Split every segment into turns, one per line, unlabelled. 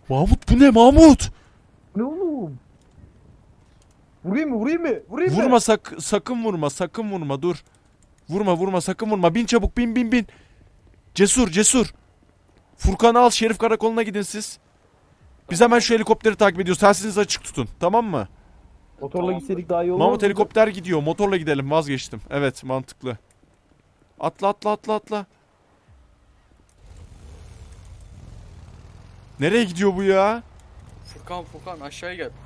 Mahmut bu ne Mahmut?
Ne oğlum? Vurayım mı?
Vurma sakın vurma sakın vurma dur. Vurma sakın vurma. Bin çabuk bin. Cesur. Furkan'ı al Şerif Karakolu'na gidin siz. Biz hemen şu helikopteri takip ediyoruz. Telsizinizi açık tutun tamam mı?
Motorla gitseydik daha iyi olmaz
Mahmut
mıydı?
helikopter gidiyor. Motorla gidelim vazgeçtim. Evet mantıklı. Atla. Nereye gidiyor bu ya?
Furkan aşağıya gel.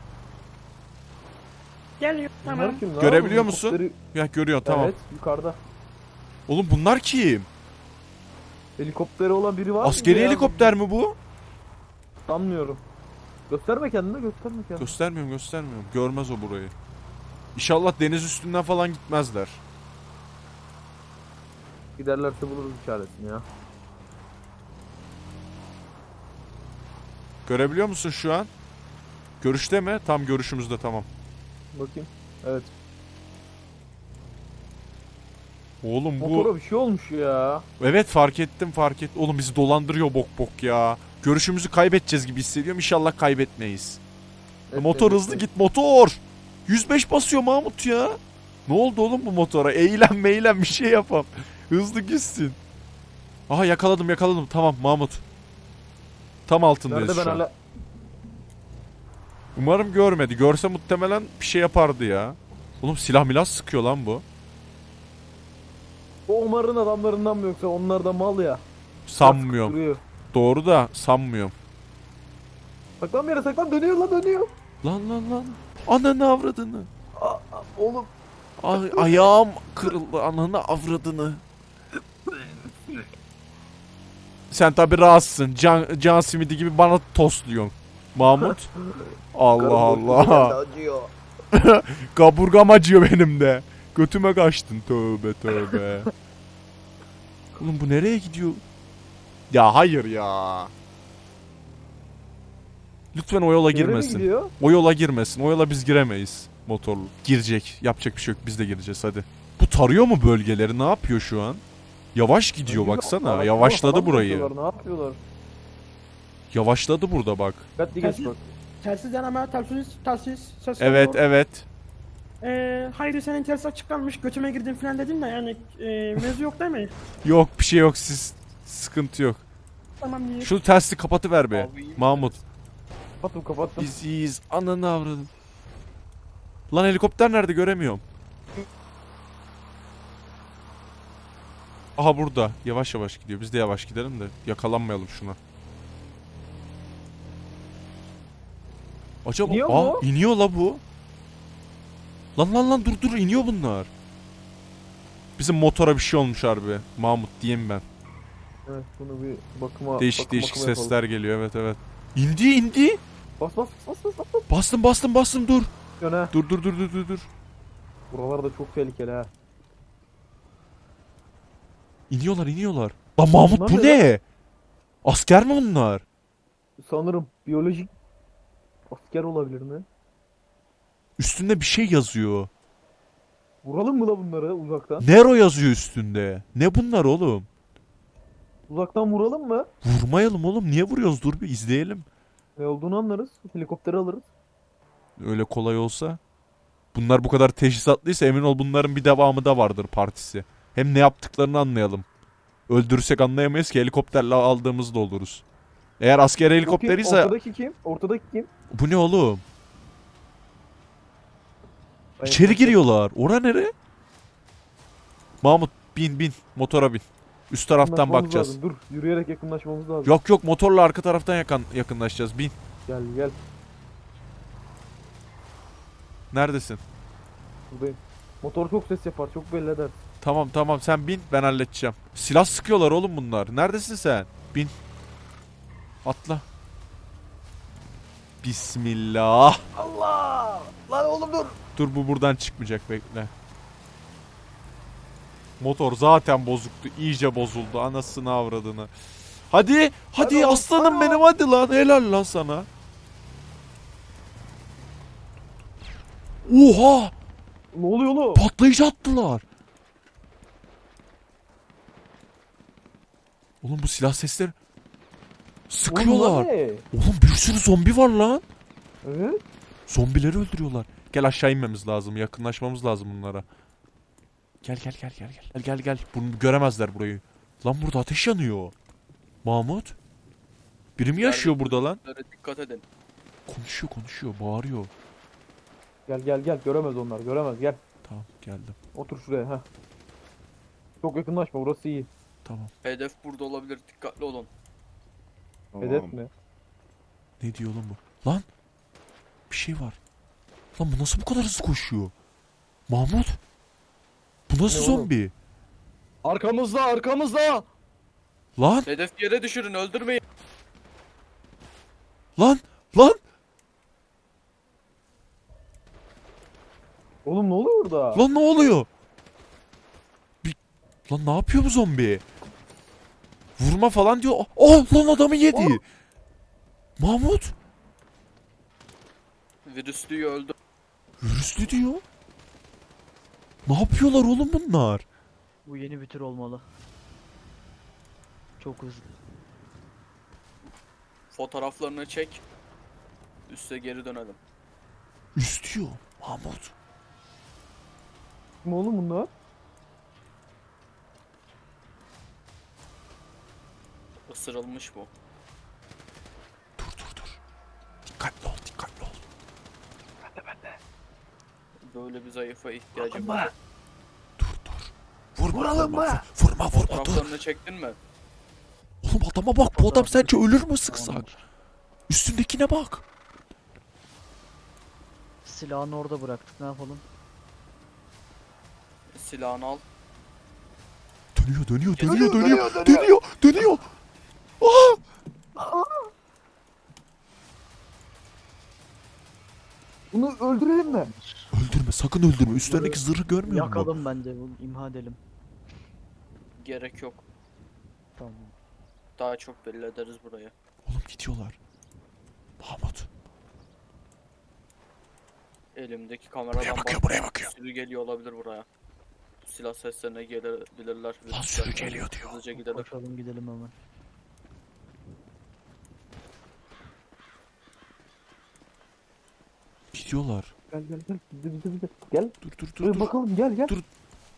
Geliyor.
Bunlar
Tamam.
kim lan?
Görebiliyor musun?
Helikopteri-
Ya görüyorsun tamam.
Evet yukarıda.
Oğlum bunlar kim?
Helikopteri olan biri var mı?
Askeri
ya?
helikopter mi bu?
Sanmıyorum. Gösterme kendini.
Göstermiyorum. Görmez o burayı. İnşallah deniz üstünden falan gitmezler.
Giderlerse buluruz işaretini ya.
Görebiliyor musun şu an? Görüşte mi? Tam görüşümüzde tamam.
Bakayım. Evet.
Oğlum bu...
Motora bir şey olmuş ya.
Evet fark ettim. Oğlum bizi dolandırıyor bok ya. Görüşümüzü kaybedeceğiz gibi hissediyorum. İnşallah kaybetmeyiz.
Evet,
Motor
evet,
hızlı
evet.
git motor. 105 basıyor Mahmut ya. Ne oldu oğlum bu motora? Eğlen bir şey yapam. Hızlı gitsin. Aha yakaladım. Tamam Mahmut. Tam altındayız
Nerede ben
şu an.
hala...
Umarım görmedi. Görse muhtemelen bir şey yapardı ya. Oğlum silah milas sıkıyor lan bu.
O Omar'ın adamlarından mı yoksa onlar da mal ya.
Sanmıyorum.
Duruyor.
Doğru da sanmıyorum.
Saklan bir yere saklan dönüyor.
Lan. Ananı avradını.
Oğlum.
Ayağım kırıldı. Ananı avradını. Sen tabi rahatsın. Can simidi gibi bana tosluyorsun. Mahmut. Allah.
Acıyor.
Kaburgam acıyor benim de. Götüme kaçtın. Tövbe. Oğlum bu nereye gidiyor? Ya hayır ya. Lütfen o yola girmesin. O yola girmesin. O yola biz giremeyiz. Motorlu. Girecek. Yapacak bir şey yok. Biz de gireceğiz hadi. Bu tarıyor mu bölgeleri? Ne yapıyor şu an? Yavaş gidiyor baksana. Yavaşladı burayı.
Ne yapıyorlar?
Yavaşladı burada bak.
Dikkatli geç bak.
Telsiz deneme, telsiz. Ses
Evet
geliyor.
evet.
Hayri senin telsiz açık kalmış, götüme girdin falan dedin de yani mevzu yok değil mi?
Yok bir şey yok. Siz sıkıntı yok.
Tamam iyi.
Şu tersi kapatıver be.
Abi iyi
Mahmut.
Kapattım.
İyiyiz. Ananı avradım. Lan helikopter nerede göremiyorum. Aha burada. Yavaş gidiyor. Biz de yavaş gidelim de yakalanmayalım şuna. Acaba
İniyor mu?
iniyor la bu. Lan dur iniyor bunlar. Bizim motora bir şey olmuş harbi. Mahmut diyeyim ben.
Evet bunu bir bakıma
Değişik
bakıma
sesler
yapalım.
geliyor evet. İndi.
Bas.
Bastım dur.
Yöne.
Dur.
Buralar da çok tehlikeli ha.
İniyorlar. Lan Mahmut
Bunlar
bu
ne
ne? Asker mi bunlar?
Sanırım biyolojik asker olabilir mi?
Üstünde bir şey yazıyor.
Vuralım mı da bunları uzaktan?
Nero yazıyor üstünde. Ne bunlar oğlum?
Uzaktan vuralım mı?
Vurmayalım oğlum. Niye vuruyoruz? Dur bir izleyelim.
Ne olduğunu anlarız. Helikopteri alırız.
Öyle kolay olsa. Bunlar bu kadar teşhisatlıysa emin ol bunların bir devamı da vardır partisi. Hem ne yaptıklarını anlayalım. Öldürürsek anlayamayız ki helikopterle aldığımızda oluruz. Eğer asker helikopteriyse...
Ortadaki kim?
Bu ne oğlum? İçeri giriyorlar. Ora nere? Mahmut bin. Motora bin. Üst taraftan
Yakınlaşmamız
bakacağız.
lazım. Dur yürüyerek yakınlaşmamız lazım.
Yok motorla arka taraftan yakınlaşacağız. Bin.
Gel.
Neredesin?
Buradayım. Motor çok ses yapar. Çok belli eder.
Tamam sen bin ben halledeceğim. Silah sıkıyorlar oğlum bunlar. Neredesin sen? Bin. Atla. Bismillah.
Allah! Lan oğlum dur.
Dur bu buradan çıkmayacak bekle. Motor zaten bozuktu. İyice bozuldu. Anasını avradını. Hadi
Hadi
aslanım
oğlum.
benim hadi lan. Helal lan sana. Oha!
Ne oluyor oğlum?
Patlayıcı attılar. Oğlum bu silah sesleri... Sıkıyorlar.
Oğlum, ne?
Oğlum bir sürü zombi var lan.
Evet.
Zombileri öldürüyorlar. Gel aşağı inmemiz lazım. Yakınlaşmamız lazım bunlara. Gel gel gel gel gel. Gel gel gel. Bunu göremezler burayı. Lan burada ateş yanıyor. Mahmut. Biri mi yaşıyor burada lan?
Dikkat edin.
Konuşuyor konuşuyor. Bağırıyor.
Gel gel gel. Göremez onlar. Göremez. Gel.
Tamam geldim.
Otur şuraya. Heh. Çok yakınlaşma. Burası iyi.
Tamam.
Hedef burada olabilir. Dikkatli olun.
Hedef mi?
Ne diyor oğlum bu? Lan. Bir şey var. Lan bu nasıl bu kadar hızlı koşuyor? Mahmut. Bu nasıl
Ne oğlum?
zombi?
Arkamızda arkamızda.
Lan.
Hedef yere düşürün. Öldürmeyin.
Lan. Lan.
Oğlum ne oluyor burada?
Lan ne oluyor? Lan ne yapıyor bu zombi? Vurma falan diyor. Oh lan adamı yedi. Mahmut.
Virüslüyü öldür.
Virüslü diyor. Ne yapıyorlar oğlum bunlar?
Bu yeni bir tür olmalı. Çok hızlı.
Fotoğraflarını çek. Üste geri dönelim.
Üst diyor. Mahmut.
Kim oğlum bunlar?
Isırılmış bu.
Dur dur dur. Dikkatli ol dikkatli ol.
Böyle bir zayıfa ihtiyacım var.
Dur dur. Vurma vurma. Vurma vurma dur.
Fotoğraflarını çektin mi?
Oğlum adama bak bu adam sence ölür mü sıksak? Üstündekine bak.
Silahını orada bıraktık, ne yapalım?
Silahını al.
Dönüyor.
Bunu öldürelim mi?
Öldürme sakın öldürme. Üstlerindeki zırhı görmüyor musun?
Yakalım bence, bunu imha edelim.
Gerek yok.
Tamam.
Daha çok belli ederiz burayı.
Oğlum gidiyorlar. Mahmut.
Elimdeki kameradan
Buraya bakıyor
bak-
buraya bakıyor.
Sürü geliyor olabilir buraya. Silah seslerine gelebilirler.
Lan sürü geliyor diyor.
Hızlıca gidelim.
Koşalım gidelim hemen.
Gidiyorlar.
Gel gel gel. Bize. Gel.
Dur.
Bakalım gel gel.
Dur.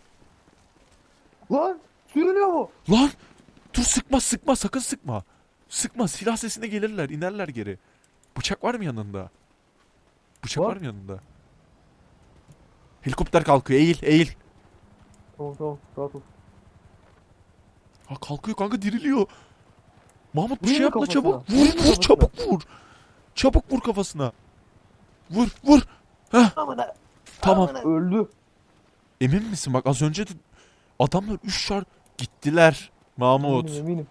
Lan sürünüyor mu?
Lan! Dur sıkma sakın sıkma. Sıkma silah sesine gelirler inerler geri. Bıçak var mı yanında? Bıçak
Var.
var mı yanında? Helikopter kalkıyor eğil.
Tamam rahat ol.
Ha kalkıyor kanka diriliyor. Mahmut bir
Vurayım
şey
mı
yapma
kafasına?
çabuk.
Vurayım mı
Vur
kafasına?
çabuk vur. Çabuk vur kafasına. Vur. Heh tamam.
Öldü.
Emin misin bak az önce de adamlar 3 şar gittiler. Mahmut.
Eminim.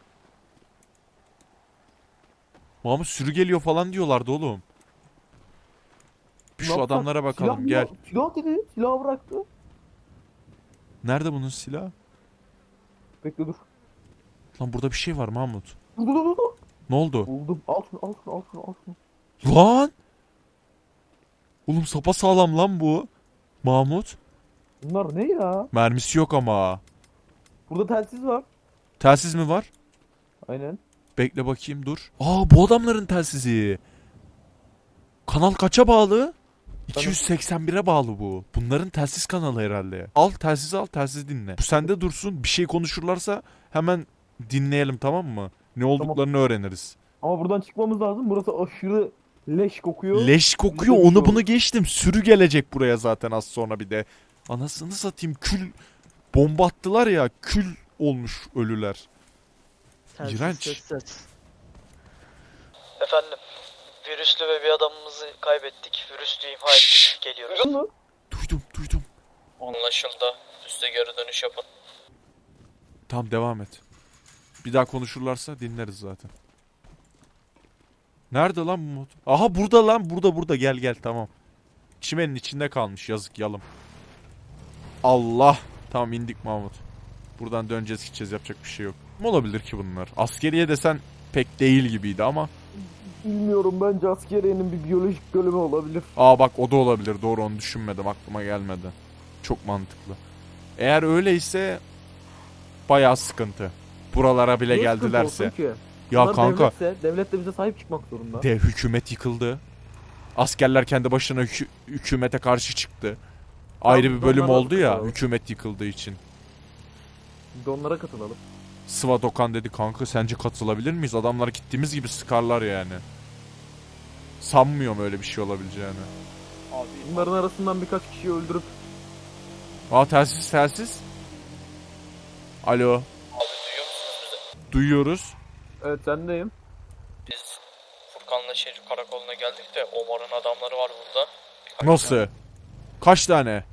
Mahmut sürü geliyor falan diyorlardı oğlum. Bir
Ne
şu
yapsak?
adamlara bakalım
Silah
gel.
mı? Silah dedi. Silahı bıraktı.
Nerede bunun silahı?
Bekle dur.
Lan burada bir şey var Mahmut.
Dur.
Ne oldu?
Buldum. Al şunu.
Lan! Oğlum sapasağlam lan bu. Mahmut.
Bunlar ne ya?
Mermisi yok ama.
Burada telsiz var.
Telsiz mi var?
Aynen.
Bekle bakayım dur. Aa bu adamların telsizi. Kanal kaça bağlı? 281'e bağlı bu. Bunların telsiz kanalı herhalde. Al telsizi dinle. Bu sende dursun. Bir şey konuşurlarsa hemen dinleyelim tamam mı? Ne olduklarını öğreniriz.
Ama buradan çıkmamız lazım. Burası aşırı leş kokuyor.
Leş kokuyor
Bir de
onu
bir
bunu geçtim. Sürü gelecek buraya zaten az sonra bir de. Anasını satayım kül bomba attılar ya kül olmuş ölüler.
Telsiz,
İğrenç.
ses.
Efendim, virüslü ve bir adamımızı kaybettik. Virüslüyü imha ettik. Geliyoruz.
Duydun mu?
Duydum.
Anlaşıldı. Üste geri dönüş yapın.
Tamam devam et. Bir daha konuşurlarsa dinleriz zaten. Nerede lan bu motor? Aha burada lan burada gel tamam. Çimenin içinde kalmış yazık yalım. Allah. Tamam indik Mahmut. Buradan döneceğiz gideceğiz yapacak bir şey yok. Ne olabilir ki bunlar? Askeriye desen pek değil gibiydi ama.
Bilmiyorum bence askeriyenin bir biyolojik bölümü olabilir.
Aa bak o da olabilir doğru onu düşünmedim aklıma gelmedi. Çok mantıklı. Eğer öyleyse bayağı sıkıntı. Buralara bile
Niye sıkıntı
geldilerse.
olsun ki?
Ya
Bunlar
kanka
devlet de bize sahip çıkmak zorunda.
hükümet yıkıldı. Askerler kendi başına hükümete karşı çıktı. Ayrı bir bölüm
onlara
oldu ya
katılalım.
hükümet yıkıldığı için.
Biz de onlara katılalım.
Svadokan dedi kanka sence katılabilir miyiz? Adamlar gittiğimiz gibi sıkarlar yani. Sanmıyorum öyle bir şey olabileceğini.
Abi
Bunların arasından birkaç kişiyi öldürüp
Aa telsiz. Alo.
Abi duyuyor musunuz bizi?
Duyuyoruz.
evet sendeyim.
Biz Furkan'la Şerif Karakolu'na geldik de Omar'ın adamları var burada.
Nasıl? Kaç tane?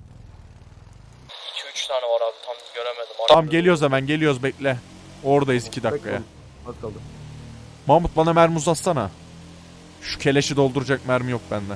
2-3 tane var abi tam göremedim.
Tamam geliyoruz hemen geliyoruz bekle. Oradayız 2 dakikaya.
Az kaldı.
Mahmut bana mermi uzatsana. Şu keleşi dolduracak mermi yok bende.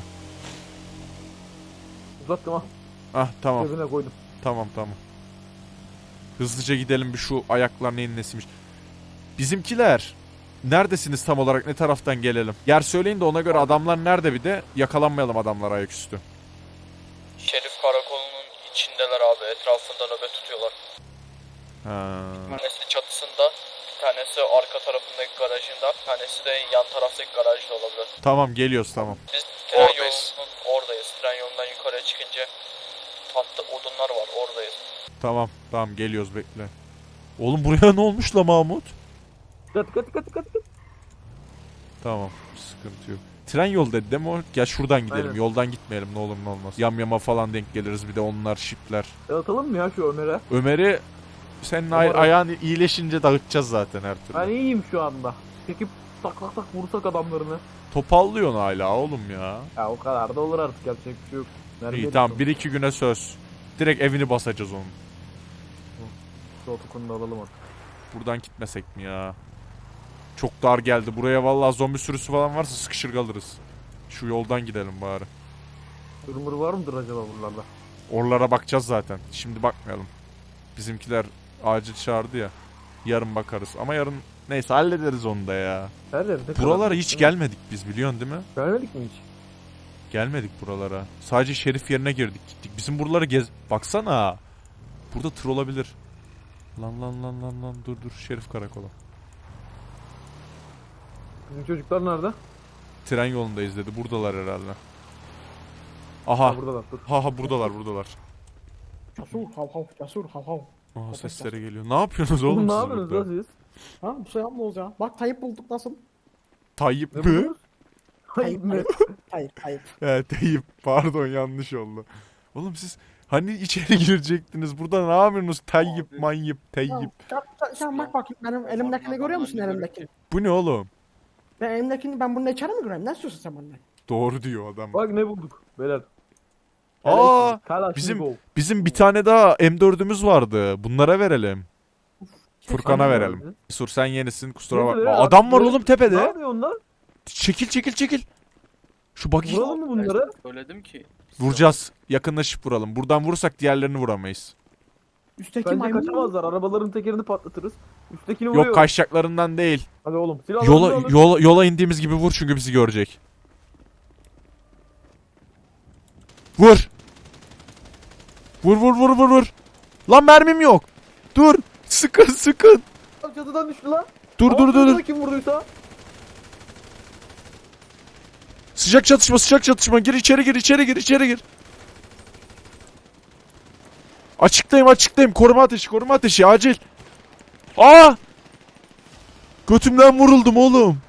Uzattım ha.
Ah tamam
Cebine koydum.
tamam. Hızlıca gidelim bir şu ayaklar neyin nesiymiş. Bizimkiler. Neredesiniz tam olarak ne taraftan gelelim? Yer söyleyin de ona göre adamlar nerede bir de yakalanmayalım adamlar ayaküstü.
Şerif Karakolu'nun içindeler abi. Etrafında nöbet tutuyorlar.
Ha.
Bir tanesi çatısında, bir tanesi arka tarafındaki garajında, bir tanesi de yan taraftaki garajda olabilir.
Tamam geliyoruz tamam.
Biz tren yolunun oradayız. Tren yolundan yukarıya çıkınca tahta odunlar var oradayız.
Tamam geliyoruz bekle. Oğlum buraya ne olmuş la Mahmut?
Dikkat.
Tamam sıkıntı yok. Tren yol dedi değil mi o? Gel şuradan gidelim.
Aynen.
Yoldan gitmeyelim ne olur ne olmaz. Yamyama falan denk geliriz bir de onlar şipler.
Atalım mı ya şu Ömer'e?
Ömer'i senin
Ömer-
ayağın iyileşince dağıtacağız zaten her türlü.
Ben iyiyim şu anda. Çekip tak vursak adamlarını.
Topallıyorsun hala oğlum ya.
Ya o kadar da olur artık yapacak bir şey yok. Nerede
İyi tamam 1-2 güne söz. Direkt evini basacağız onun.
Şu otokonunu da alalım artık.
Buradan gitmesek mi ya? Çok dar geldi. Buraya vallahi zombi sürüsü falan varsa sıkışır kalırız. Şu yoldan gidelim bari.
Durumur var mıdır acaba buralarda?
Oralara bakacağız zaten. Şimdi bakmayalım. Bizimkiler acil çağırdı ya. Yarın bakarız. Ama yarın neyse hallederiz onu da ya.
Her yerde.
Buralara hiç gelmedik biz biliyorsun değil mi?
Gelmedik mi hiç?
Gelmedik buralara. Sadece şerif yerine girdik gittik. Bizim buraları baksana. Burada tır olabilir. Lan dur şerif karakolu.
Bizim çocuklar nerede?
Tren yolundayız dedi. Buradalar herhalde. Aha.
Ha buradalar dur.
Ha buradalar.
Cesur hav hav cesur hav hav.
Aha sesleri geliyor. Ne yapıyorsunuz oğlum
Oğlum ne
siz
yapıyorsunuz
burada?
lan siz?
Ha bu şey yapmıyoruz ya. Bak Tayyip bulduk nasıl?
Tayyip
Ne
mi?
buluyoruz? Hayır mı?
Tayyip.
He Tayyip. Pardon yanlış oldu. Oğlum siz hani içeri girecektiniz. Burada ne yapıyorsunuz? Tayyip
Abi.
manyip Tayyip.
Sen bak bakayım benim elimdekini görüyor musun elimdekini?
Bu ne oğlum?
Ben elimdekini ben bununla içeri mi göreyim? Ne istiyorsun sen benden?
Doğru diyor adam.
Bak ne bulduk beyler.
Aa
Kalaşnikov.
bizim bir tane daha M4'ümüz vardı. Bunlara verelim. Furkan'a
Hangi
verelim.
vardı?
Sur sen yenisin kusura
Neyse
bakma.
ya,
Adam var
böyle-
oğlum
Ne
tepede.
yapıyor onlar?
Çekil. Şu buggy
Vuralım mı bunları?
söyledim ki.
vuracağız. Yakınlaşıp vuralım. Buradan vurursak diğerlerini vuramayız.
Üstteki
Bence
maymun mu?
kaçamazlar. Arabaların tekerini patlatırız. Üsttekini vuruyor.
Yok kaçacaklarından değil.
Hadi oğlum silahlarını alın.
Yola indiğimiz gibi vur çünkü bizi görecek. Vur. Vur. Lan mermim yok. Dur. Sıkın.
Çatıdan düştü lan.
Dur.
Dur. Kim vurduysa.
Sıcak çatışma. Gir içeri gir. Açıktayım. Koruma ateşi acil. Aa! Götümden vuruldum oğlum.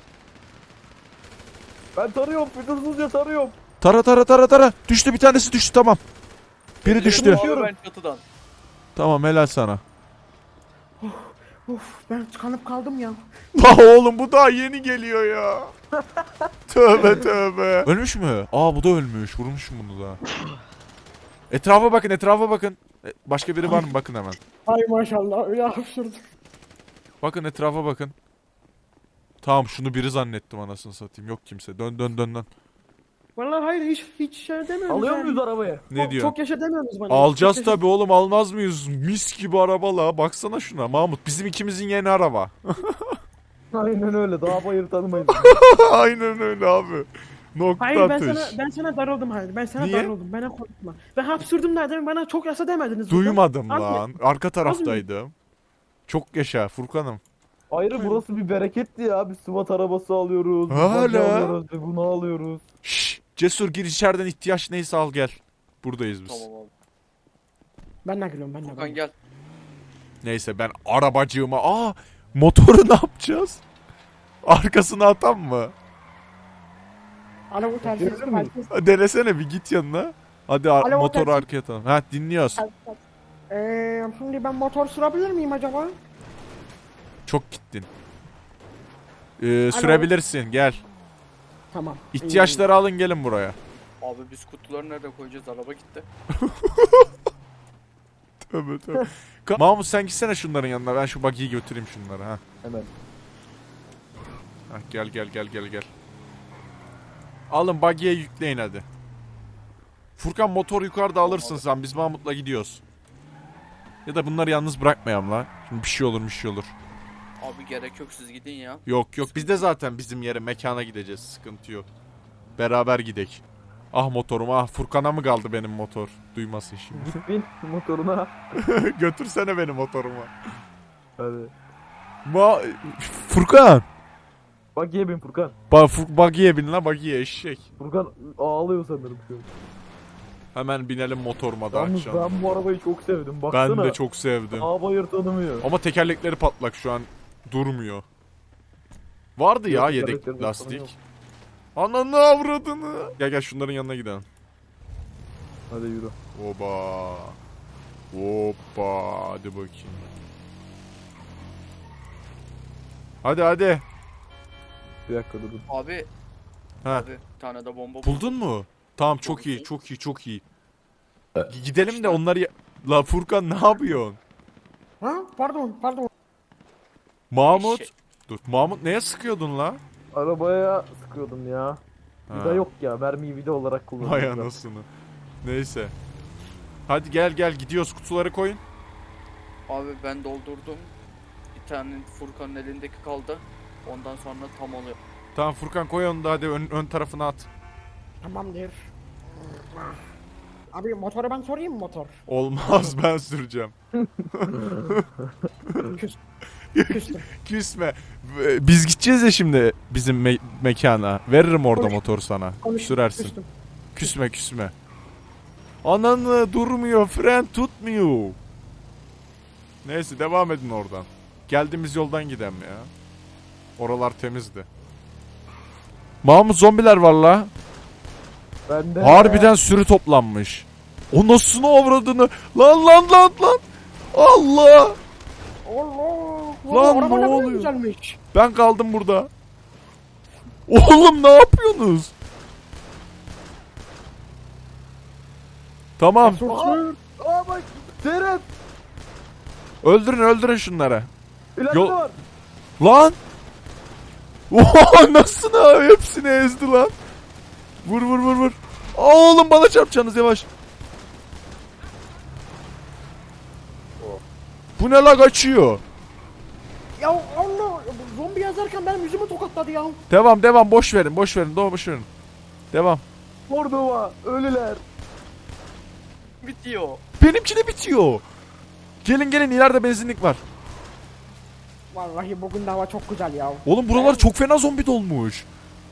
Ben tarıyorum. Fütursuzca tarıyorum.
Tara. Düştü bir tanesi düştü tamam. Biri düştü.
Abi ben çatıdan.
Tamam helal sana.
Uf ben tıkanıp kaldım ya.
Oğlum bu daha yeni geliyor ya. Tövbe. Ölmüş mü? Aa bu da ölmüş. Vurmuşum bunu da. Etrafa bakın. Başka biri var mı? Bakın hemen.
Ay maşallah öyle hapşırdım.
Bakın etrafa bakın. Tamam şunu biri zannettim anasını satayım. Yok kimse. Dön.
Vallahi hayır hiç şey demiyoruz
Alıyor
yani.
muyuz arabayı?
Ne diyor?
Çok yaşa demiyoruz bana.
Alacağız
Çok yaşa-
tabi oğlum almaz mıyız? Mis gibi araba la. Baksana şuna Mahmut. Bizim ikimizin yeni araba.
Aynen öyle. Daha bayır tanımayız.
Aynen öyle abi. Nokta
Hayır
atış.
ben sana darıldım hayır. Ben sana
Niye?
darıldım. Bana korkutma. Ben hapşırdım dedim bana çok yaşa demediniz. burada.
Duymadım
Az mı?
lan. Arka taraftaydım. Çok yaşa Furkan'ım.
Ayrı burası bir bereketti ya. Bir SWAT arabası alıyoruz. bir
Hala.
buggy alıyoruz. Bir bunu alıyoruz.
Şşş. Cesur gir içeriden ihtiyaç neyse al gel. Buradayız biz.
Tamam abi.
Ben de geliyorum ben de.
Furkan gel.
Neyse ben arabacığıma... Aa! Motoru ne yapacağız? Arkasına atan mı?
Alo bu telsiz.
Gelebilir miyim?
Denesene bir git yanına. Hadi
Alo,
motoru
telsiz.
arkaya atalım. Ha dinliyoruz.
Şimdi ben motor sürebilir miyim acaba?
Çok gittin. Sürebilirsin gel.
Tamam.
İhtiyaçları alın gelin buraya.
Abi biz kutuları nerede koyacağız? Araba gitti.
Tövbe tövbe. Mahmut sen gitsene şunların yanına. Ben şu buggy'yi götüreyim şunları ha.
Hemen.
Ha gel. Alın buggy'ye yükleyin hadi. Furkan motor yukarıda alırsın sen. Biz Mahmut'la gidiyoruz. Ya da bunları yalnız bırakmayalım lan. Şimdi bir şey olur.
Abi gerek yok siz gidin ya.
Yok biz de zaten bizim yere mekana gideceğiz. Sıkıntı yok. Beraber gidek. Ah motorum ah. Furkan'a mı kaldı benim motor? Duymasın şimdi.
Bin motoruna.
Götürsene beni motoruma.
Hadi.
Furkan.
Buggy'ye bin Furkan.
Buggy'ye bin la buggy'ye eşek.
Furkan ağlıyor sanırım şu an.
Hemen binelim motoruma da
Yalnız
akşam.
ben bu arabayı çok sevdim. Baksana.
Ben de çok sevdim.
Ağ bayır tanımıyor.
Ama tekerlekleri patlak şu an durmuyor. Vardı ya
Yok,
yedek
tekerlekleri yok.
lastik. Ananı avradını. Gel şunların yanına gidelim.
Hadi yürü.
Hoppa. Hadi bakayım. Hadi.
Bir dakika durun.
Abi.
Ha.
Abi bir tane de bomba
Buldun mu? Tamam çok
Buldum.
iyi. Çok iyi. Gidelim de onları... La Furkan ne yapıyorsun?
Ha? Pardon.
Mahmut.
Eşek.
Dur. Mahmut neye sıkıyordun la?
Arabaya sıkıyordum ya.
Ha.
Vida yok ya. Mermiyi vida olarak
Vay
kullanıyorum.
anasını. Neyse. Hadi gel gidiyoruz kutuları koyun.
Abi ben doldurdum. Bir tane Furkan'ın elindeki kaldı. Ondan sonra tam oluyor.
Tamam Furkan koy onu da hadi ön tarafına at.
Tamamdır. Abi motoru ben sorayım mı motor?
Olmaz ben süreceğim.
Küstüm.
Küsme. Biz gideceğiz ya şimdi bizim mekana. Veririm orada motor sana. Sürersin. Küsme. Ananı durmuyor. Fren tutmuyor. Neyse devam edin oradan. Geldiğimiz yoldan gidelim ya. Oralar temizdi. Mahmut zombiler var la.
Ben de.
Harbiden sürü toplanmış. O nasıl avradını? Lan. Allah.
Allah.
Lan,
araba
ne
kadar
oluyor?
Güzelmiş.
Ben kaldım burada. Oğlum ne yapıyorsunuz? Tamam.
Sür.
Aa bak. Seyret.
Öldürün şunları.
İleride
Yol-
var.
Lan. Oha nasıl ne? Hepsini ezdi lan. Vur. Oğlum bana çarpacaksınız yavaş. Bu ne la kaçıyor?
Ya Allah. Zombi yazarken benim yüzümü tokatladı ya.
Devam boş verin. Boş verin. Devam.
Mordova. Ölüler.
Bitiyor.
Benimki de bitiyor. Gelin ileride benzinlik var.
Vallahi bugün de hava çok güzel ya.
Oğlum buralar çok fena zombi dolmuş.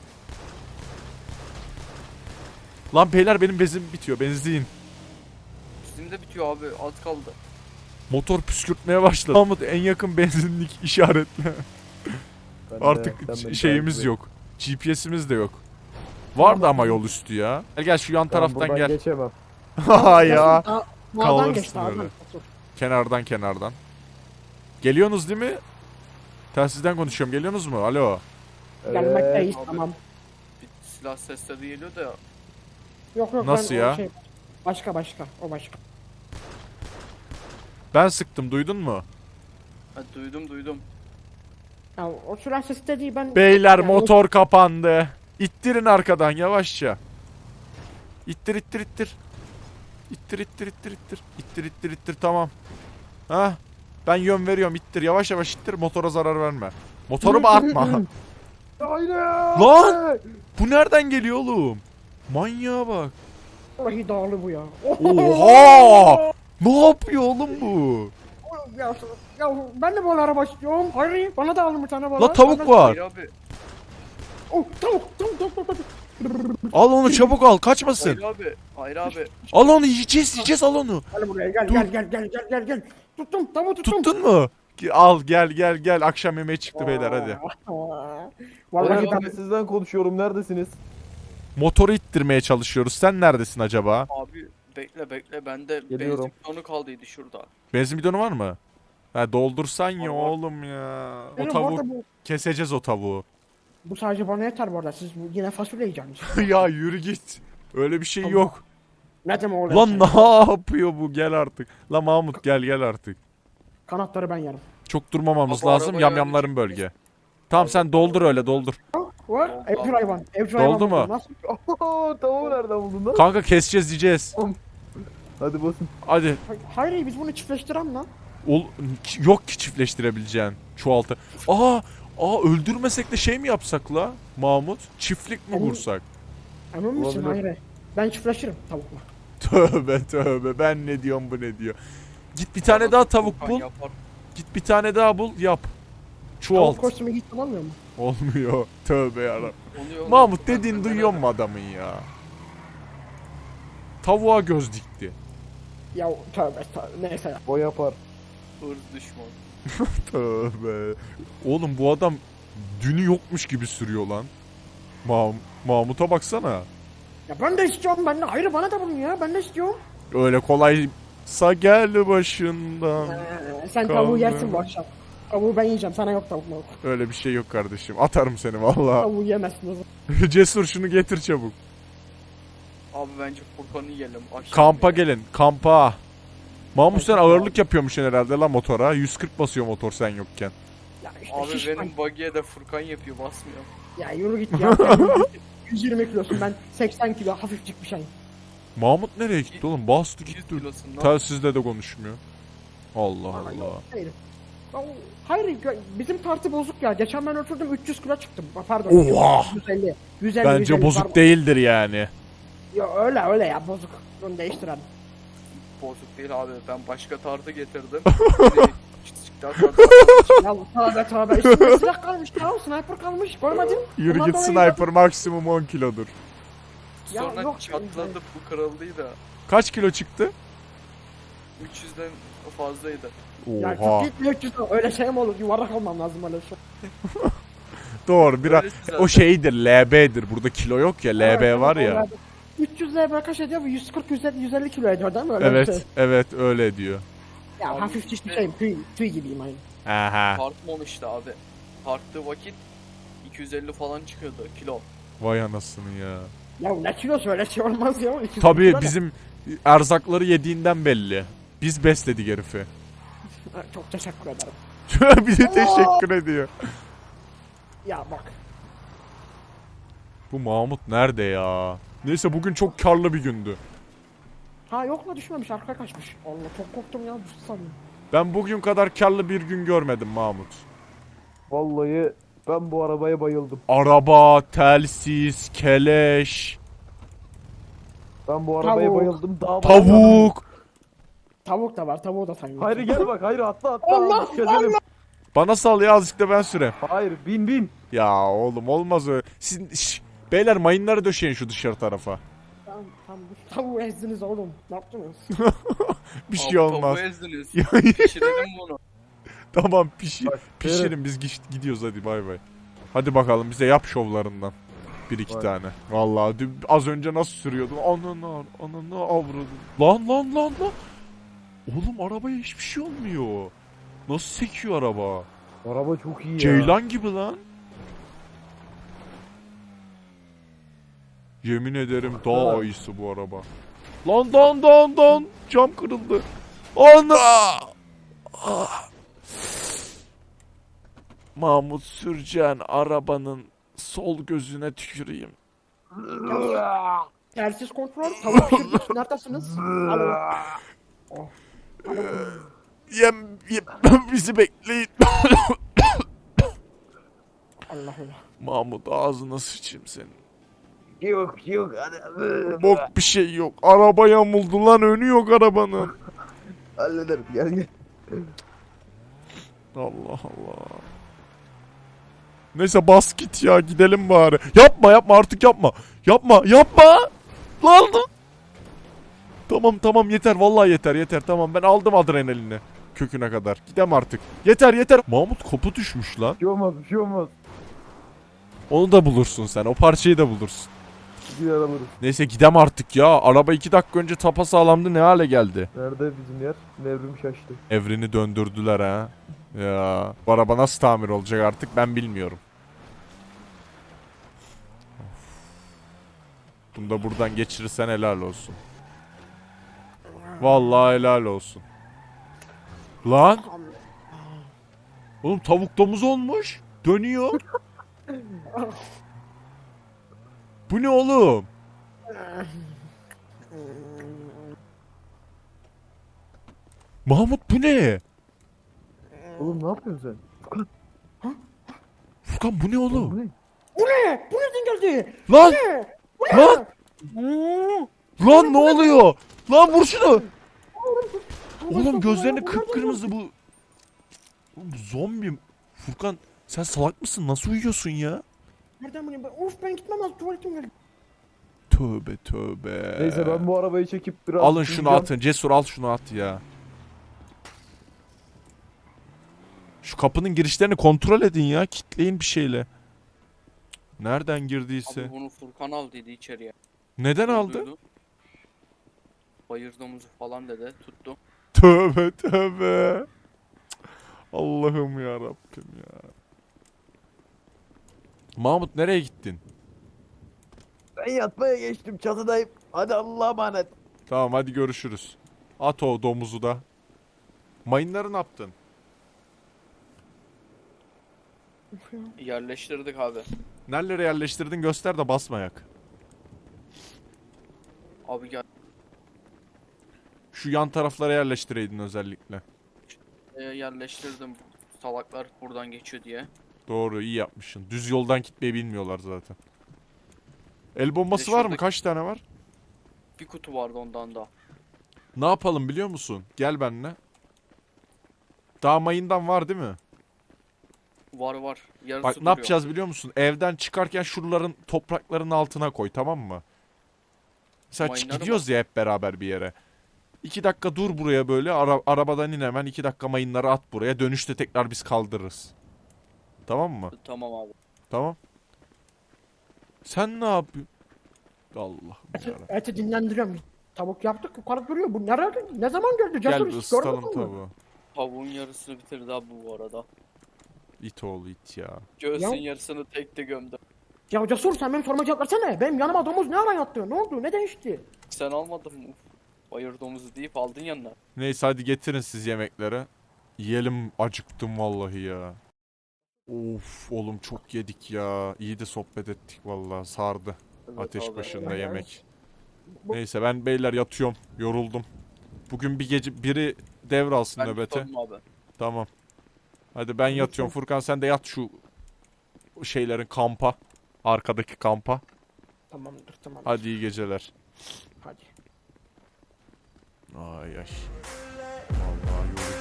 Lan beyler benim benzin bitiyor. Benzin.
Bizim de bitiyor abi. Az kaldı.
Motor püskürtmeye başladı. Mahmut en yakın benzinlik işaretle.
Ben de-
Artık
sen beni
şeyimiz
takip et.
yok. GPS'imiz de yok. Vardı ama yol üstü ya. Gel şu yan
Ben
taraftan
buradan
gel.
geçemem.
Ha ya.
Dağdan
Kalırsın
geç dağdan.
öyle. Kenardan. Geliyorsunuz değil mi? Telsizden konuşuyorum. Geliyorsunuz mu? Alo.
Gelmekteyiz
Abi.
tamam.
Bir silah sesleri geliyor da
Yok
Nasıl
ben
ya?
o başka o başka.
Ben sıktım. Duydun mu?
ha, duydum.
Ya o silah sesi de değil ben.
Beyler
Yani
motor kapandı. İttirin arkadan yavaşça. İttir. İttir tamam. Ha? Ben yön veriyorum ittir yavaş ittir motora zarar verme. Motoru bağırtma.
Aynen.
Lan! Bu nereden geliyor oğlum? Manyağa bak.
Vallahi dağlı bu ya.
Oha! Ne yapıyor oğlum bu?
Ya, Ya ben de balığa araba istiyorum. Hayır bana da alın bir tane balığa.
La tavuk
Ben-
var.
Hayır abi.
Oh tavuk.
Al onu çabuk al kaçmasın.
Hayır abi. Hayır abi.
Al onu yiyeceğiz al onu.
Gel buraya gel
Dur.
gel. Tuttum tavuğu tuttum.
Tuttun mu? Al gel akşam yemeği çıktı beyler hadi.
Vallahi
Ben
ben
sizden konuşuyorum. Neredesiniz?
Motoru ittirmeye çalışıyoruz. Sen neredesin acaba?
Abi bekle bende
Geliyorum.
benzin bidonu kaldıydı şurada.
Benzin bidonu var mı? Ha doldursan ya
Var, var.
oğlum ya. O
Benim
tavuğu
orada
keseceğiz o tavuğu.
bu sadece bana yeter bu arada. Siz yine fasulye yiyeceksiniz.
Ya yürü git. Öyle bir şey
Tamam.
yok.
Ne demek öyle?
Lan
şey?
ne yapıyor bu? Gel artık. La Mahmut gel artık.
Kanatları ben yerim.
Çok durmamamız
Baba,
lazım.
arabayı
Yamyamların bölge. Tamam sen doldur öyle doldur.
Var. Evcil hayvan. Evcil
Doldu
hayvan.
mu?
bu. Nasıl?
Tavuğu nereden buldun lan?
Kanka keseceğiz diyeceğiz.
Hadi basın.
Hadi.
Hayır biz bunu çiftleştirelim lan.
Yok ki çiftleştirebileceğin. Çoğaltı. Aa öldürmesek de şey mi yapsak la Mahmut? Çiftlik mi
Emin-
kursak?
Emin misin?
Olabilir.
Hayır. Ben çiftleşirim tavukla.
Tövbe ben ne diyorum bu ne diyor. Git bir tane daha tavuk
Furkan
bul.
yapar.
Git bir tane daha bul yap. Çoğalt.
Tavuk kostümü hiç kullanmıyor mu?
Olmuyor. Tövbe yarabbim.
Oluyor,
Mahmut
Furkan,
dediğin
ben
duyuyor
nereden-
mu adamın ya? Tavuğa göz dikti.
Ya tövbe neyse ya.
O yapar.
Hırs düşman.
Tövbe. Oğlum bu adam dünü yokmuş gibi sürüyor lan. Mahmut'a baksana.
Ya ben de istiyorum ben de. Hayır bana da bunu ya. Ben de istiyorum.
Öyle kolaysa gel başından.
Sen
Kaldı.
tavuğu yersin bu akşam. Tavuğu ben yiyeceğim. Sana yok tavuk mavuk.
Öyle bir şey yok kardeşim. Atarım seni valla.
Tavuğu yemezsin o zaman.
Cesur şunu getir çabuk.
Abi bence Furkan'ı yiyelim. Akşam
Kampa
yemeği.
gelin. Kampa. Mahmut sen ağırlık yapıyormuşsun herhalde lan motora. 140 basıyor motor sen yokken.
Ya işte
Abi
şişman.
benim buggy'e de Furkan yapıyor basmıyor.
Ya yürü git ya. Sen 120 kilosun ben 80 kilo hafifcik bir şey.
Mahmut nereye gitti oğlum? Bastı
200
gitti.
kilosundan.
Telsizle de konuşmuyor. Allah Allah.
Hayır. Ya, hayır bizim tartı bozuk ya. Geçen ben oturdum 300 kilo çıktım. Pardon.
Oha!
150. 150
Bence
150
bozuk
pardon.
değildir yani.
Ya öyle ya bozuk. Bunu değiştirelim.
Bozuk değil abi. Ben başka tartı getirdim.
Ya tövbe üstünde silah kalmış ya. Sniper kalmış. Görmedin.
Yürü
Ondan
git
dolayı
sniper maksimum 10 kilodur.
Ya
Sonra
yok.
çatladı bu kırıldıydı.
Kaç kilo çıktı?
300'den fazlaydı.
Ya
Oha.
çok gitmiyor ki öyle şey mi olur? Yuvarlak olmam lazım öyle şey.
Doğru biraz.
Öylesi zaten.
O şeydir LB'dir. Burada kilo yok ya. LB
Evet,
var
evet,
ya.
öyle. 300 LB kaç ediyor? Bu 140 150 kilo ediyor değil mi? Öyle bir şey.
Evet öyle diyor.
Ya
Abi
hafifçik
işte-
bir şeyim. Tüy gibiyim aynı.
Aha.
Tartmamıştı abi. Tarttığı vakit 250 falan çıkıyordu kilo.
Vay anasını ya.
Ya ne kilosu öyle şey olmaz ya. 200
Tabii
kilo ne?
bizim erzakları yediğinden belli. Biz besledik herifi.
Ha, çok teşekkür ederim.
Bir de teşekkür ediyor.
Ya bak.
Bu Mahmut nerede ya? Neyse bugün çok karlı bir gündü.
Ha yok la düşmemiş arkaya kaçmış. Allah çok korktum ya düştü sandım.
Ben bugün kadar karlı bir gün görmedim Mahmut.
Vallahi ben bu arabaya bayıldım.
Araba, telsiz, keleş,
Ben bu arabaya
Tavuk.
bayıldım. Daha
tavuk.
Tavuk da var tavuğu da sayın.
Hayır gel bak. Hayır atla.
Allah,
Gezelim.
Bana sal ya azıcık da ben süreyim.
Hayır bin.
Ya oğlum olmaz öyle. Siz beyler mayınları döşeyin şu dışarı tarafa.
Tamam tavuğu ezdiniz oğlum. Ne yaptınız?
Bir şey
Abi
olmaz.
tavuğu ezdiniz.
Ya,
Pişirelim bunu.
tamam
Bak,
pişirin biz gidiyoruz hadi bay bay. Hadi bakalım bize yap şovlarından. Bir iki
Vay.
tane. Vallahi az önce nasıl sürüyordum? Ananı avradım. Lan. Oğlum arabaya hiçbir şey olmuyor. Nasıl sekiyor araba?
Araba çok iyi ya.
Ceylan gibi lan. Yemin ederim dağ ayısı bu araba. Lan. Cam kırıldı. Ana! Ah. Mahmut Sürcan arabanın sol gözüne tüküreyim.
Telsiz kontrol. Tavuk pişirdik. Neredesiniz? Alo.
Yem bizi bekleyin.
Allah Allah.
Mahmut ağzına sıçayım senin.
Yok hadi.
Bok bir şey yok. Araba yamuldu lan önü yok arabanın.
Hallederim gel.
Allah Allah. Neyse bas git ya, gidelim bari. Yapma yapma artık, yapma. Yapma yapma. Lan. Tamam tamam yeter, vallahi yeter yeter, tamam ben aldım adrenalini köküne kadar. Gidem artık. Yeter yeter. Mahmut kopu düşmüş lan.
Bir şey olmaz, bir şey olmaz.
Onu da bulursun sen. O parçayı da bulursun.
Gider alırız.
Neyse gidem artık ya. Araba 2 dakika önce tapasağlamdı, ne hale geldi.
Nerede bizim yer? Nevrim şaştı.
Evrini döndürdüler ha. Ya bu araba nasıl tamir olacak artık ben bilmiyorum. Bunu da buradan geçirirsen helal olsun. Vallahi helal olsun. Lan. Oğlum tavuk domuz olmuş. Dönüyor. Bu ne oğlum? Mahmut bu ne?
Oğlum ne yapıyorsun sen?
Furkan bu ne oğlum?
Bu ne?
Bu ne? Bu nereden geldi?
Lan!
Bu
Lan! Lan ne oluyor? Lan vur şunu! Oğlum gözlerini kıpkırmızı bu. Oğlum bu zombi. Furkan sen salak mısın? Nasıl uyuyorsun ya?
Nereden bileyim ben? Of ben gitmem lazım, tuvaletim geldi.
Tövbe tövbe.
Neyse ben bu arabayı çekip biraz...
Alın şunu
süreceğim.
atın. Cesur al şunu at ya. Şu kapının girişlerini kontrol edin ya. Kitleyin bir şeyle. Nereden girdiyse.
Abi bunu Furkan aldıydı içeriye.
Neden aldı?
Duydu. Bayır domuzu falan dedi. Tuttu.
Tövbe tövbe. Allah'ım ya Rabbim ya. Mahmut nereye gittin?
Ben yatmaya geçtim, çatıdayım. Hadi Allah'a emanet.
Tamam hadi görüşürüz. At o domuzu da. Mayınları ne yaptın?
Yerleştirdik abi.
Nerelere yerleştirdin göster de basmayak.
Abi gel.
Şu yan taraflara yerleştireydin özellikle.
Yerleştirdim. Salaklar buradan geçiyor diye.
Doğru iyi yapmışsın. Düz yoldan gitmeyi bilmiyorlar zaten. El bombası
Bir de
var mı?
şuradaki-
Kaç tane var?
Bir kutu vardı ondan da.
Ne yapalım biliyor musun? Gel benimle. Daha mayından var değil mi?
Var var. Yarısı
Bak ne
duruyor.
yapacağız biliyor musun? Evden çıkarken şuraların toprakların altına koy, tamam mı? Mesela
Mayınları
gidiyoruz ya hep beraber bir yere. 2 dakika dur buraya böyle, arabadan in hemen 2 dakika mayınları at buraya. Dönüşte tekrar biz kaldırırız. Tamam mı?
Tamam abi.
Tamam. Sen ne yapıyorsun? Allah'ım yarabbim.
Eti dinlendiriyorum. Tavuk yaptık, yukarı duruyor. Bu nerede? Ne zaman geldi?
Gel
Cesur
bir
hiç
ısıtalım
görmedin mi?
tavuğu.
Tavuğun yarısını bitirdi abi bu arada.
İt oğlu it ya.
Göğsün
Ya.
yarısını tekte gömdü.
Ya Cesur sen benim soruma cevap versene. Benim yanıma domuz ne ara yattı? Ne oldu? Ne değişti?
Sen almadın mı? Bayır domuzu deyip aldın yanına.
Neyse hadi getirin siz yemekleri. Yiyelim, acıktım vallahi ya. Of oğlum çok yedik ya. İyi de sohbet ettik vallahi, sardı.
Evet
Ateş
abi.
başında
evet.
yemek.
Bu-
Neyse ben beyler yatıyorum. Yoruldum. Bugün bir gece biri devralsın
Ben
nöbete.
tutarım abi.
Tamam. Hadi ben yatıyorum. Furkan sen de yat şu şeylerin kampa. Arkadaki kampa.
Tamamdır tamam.
Hadi iyi geceler.
Hadi.
Ay ay. Vallahi yorucu.